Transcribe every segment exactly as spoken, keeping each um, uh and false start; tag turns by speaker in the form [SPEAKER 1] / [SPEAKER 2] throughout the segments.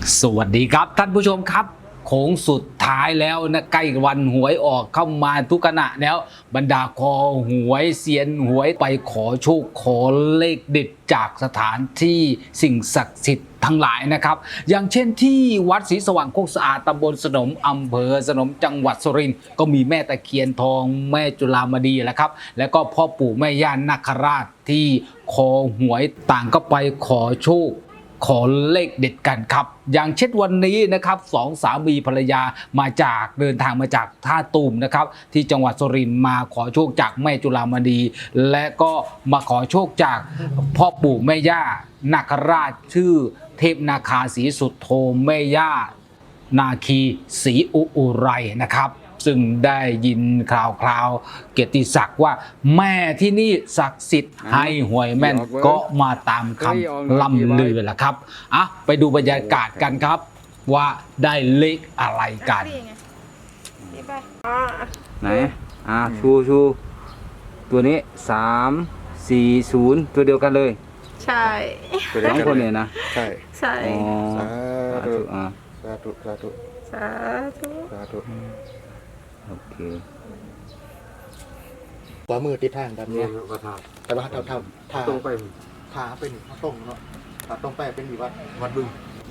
[SPEAKER 1] สวัสดีครับท่านผู้ชมครับโค้งสุดท้ายแล้วนะใกล้วันหวยออกเข้ามาทุกขณะแล้วบรรดาคอหวยเซียนหวยไปขอโชคขอเลขเด็ดจากสถานที่สิ่งศักดิ์สิทธิ์ทั้งหลายนะครับอย่างเช่นที่วัดศรีสว่างโคกสะอาดตำบลสนมอำเภอสนมจังหวัดสุรินทร์ก็มีแม่ตะเคียนทองแม่จุฬามณีแหละครับแล้วก็พ่อปู่แม่ย่านาคราชที่คอหวยต่างก็ไปขอโชคขอเลขเด็ดกันครับอย่างเช่นวันนี้นะครับสองสามีภรรยามาจากเดินทางมาจากท่าตูมนะครับที่จังหวัดสุรินทร์มาขอโชคจากแม่จุฬามณีและก็มาขอโชคจากพ่อปู่แม่ย่านาคราชชื่อเทพนาคาศรีสุดโธแม่ย่านาคีศรีอุอุไรนะครับซึ่งได้ยินข่าวคราวเกียรติศักดิ์ว่าแม่ที่นี่ศักดิ์สิทธิ์ให้หวยแม่นก็มาตามคำล่ำลือแหละครับอ่ะไปดูบรรยากาศกันครับว่าได้เลขอะไรกัน
[SPEAKER 2] ไหนอ่าชูชูตัวนี้สามสี่ศูนย์ตัวเดียวกันเลย
[SPEAKER 3] ใช่
[SPEAKER 2] สองคนเนี่ยนะ
[SPEAKER 4] ใช่
[SPEAKER 3] ใช่
[SPEAKER 2] อ๋อ
[SPEAKER 4] สาธุ
[SPEAKER 2] อ่า
[SPEAKER 4] สาธุสาธุ
[SPEAKER 3] สาธุ
[SPEAKER 4] สาธุ
[SPEAKER 2] โอเค
[SPEAKER 4] ขวามือติดทางแบบนี้
[SPEAKER 5] ก็ท
[SPEAKER 4] แต่ว่าถ้าถ้าถ้า
[SPEAKER 5] ำตรงไป
[SPEAKER 4] ถ้าเป็นตรงเนาะถ้าตรงไปเป็นวัดวัดบึง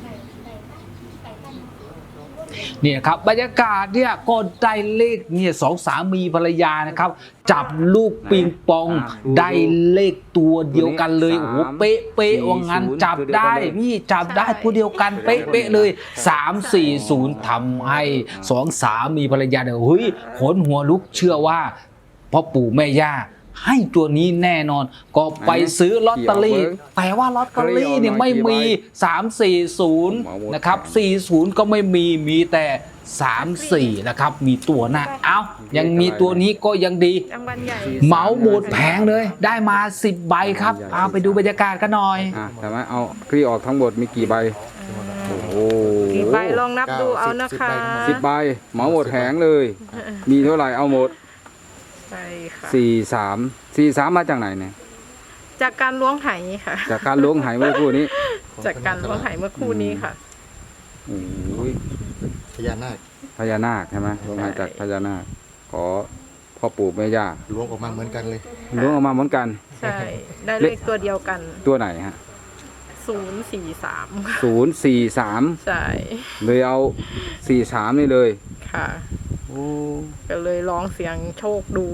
[SPEAKER 1] เนี่ยครับบรรยากาศเนี่ยก็ได้เลขเนี่ยสองสามีภรรยานะครับจับลูกปิงปองได้เลขตัวเดียวกันเลยโอ้โหเป๊ะเป๊ะว่างั้นจับได้พี่จับได้ตัวเดียวกันเป๊ะเป๊ะเลยสามสี่ศูนย์ทำให้สองสามีภรรยาเนี่ยเฮ้ยขนหัวลุกเชื่อว่าพ่อปู่แม่ย่าให้ตัวนี้แน่นอนก็ไปซื้อลอตเตอรี่แต่ว่าลอตเตอรี่เนี่ยไม่มีสาม สี่ศูนย์นะครับสี่ศูนย์ก็ไม่มีมีแต่สาม สี่นะครับมีตัวหน้าเอ้ายังมีตัวนี้ก็ยังดี
[SPEAKER 3] รางวัลใหญ่
[SPEAKER 1] เหมาหมดแผงเลยได้มาสิบใบครับเอาไปดูบรรยากาศกันหน่อย
[SPEAKER 2] อ่าแต่ว่าเอาคลี่ออกทั้งหมดมีกี่ใบโอ้โห
[SPEAKER 3] กี่ใบลองนับดูเอานะคะ
[SPEAKER 2] สิบใบเหมาหมดแผงเลย มีเท่าไหร่เอาหมด
[SPEAKER 3] ใช่ค่ะ
[SPEAKER 2] สี่สามสี่สามมาจากไหนเนี่ย
[SPEAKER 3] จากการล้วงไหค่ะ
[SPEAKER 2] จากการล้วงไหเมื่อคู่นี้
[SPEAKER 3] จากการล้วงไหเมื่อคู่นี้ค่ะ
[SPEAKER 2] โอ้ย
[SPEAKER 4] พญานาค
[SPEAKER 2] พญานาคใช่ไหมล้วงไหจากพญานาคขอพ่อปู่แม่ย่า
[SPEAKER 4] ล้วงออกมาเหมือนกันเลย
[SPEAKER 2] ล้วงออกมาเหมือนกัน
[SPEAKER 3] ใช่ได้เลขตัวเดียวกัน
[SPEAKER 2] ตัวไหนฮะ
[SPEAKER 3] ศูนย์สี่สาม
[SPEAKER 2] ศูนย์สี่สาม
[SPEAKER 3] ใช่
[SPEAKER 2] เลยเอาสี่สามนี่เลย
[SPEAKER 3] ค่ะก็เลยลองเสียงโชคดู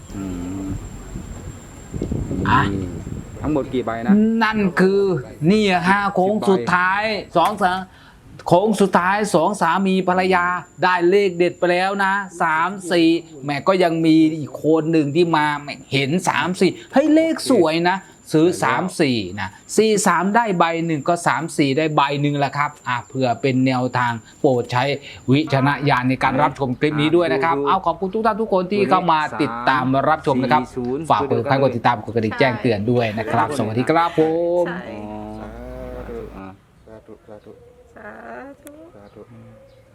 [SPEAKER 1] อ่ะ
[SPEAKER 2] ทั้งหมดกี่ใบนะ
[SPEAKER 1] นั่นคือนี่ห้าโค้งสุดท้ายสองสามโค้งสุดท้ายสองสามีภรรยาได้เลขเด็ดไปแล้วนะสามสี่แม่ก็ยังมีอีกคนหนึ่งที่มาเห็นสามสี่เฮ้ยเลขสวยนะซื้อสามสี่นะสี่สามได้ใบหนึ่งก็สามสี่ได้ใบหนึ่งแหละครับอ่ะเพื่อเป็นแนวทางโปรดใช้วิจารณญาณในการรับชมคลิปนี้ด้วยนะครับเอาขอบคุณทุกท่านทุกคนที่เข้ามาติดตามรับชมนะครับฝากกดติดตามกดติดตามกดกระดิ่งแจ้งเตือนด้วยนะครับสวัสดีครับผม
[SPEAKER 3] ใช่
[SPEAKER 4] สาธุสาธุสาธุ
[SPEAKER 3] สาธุ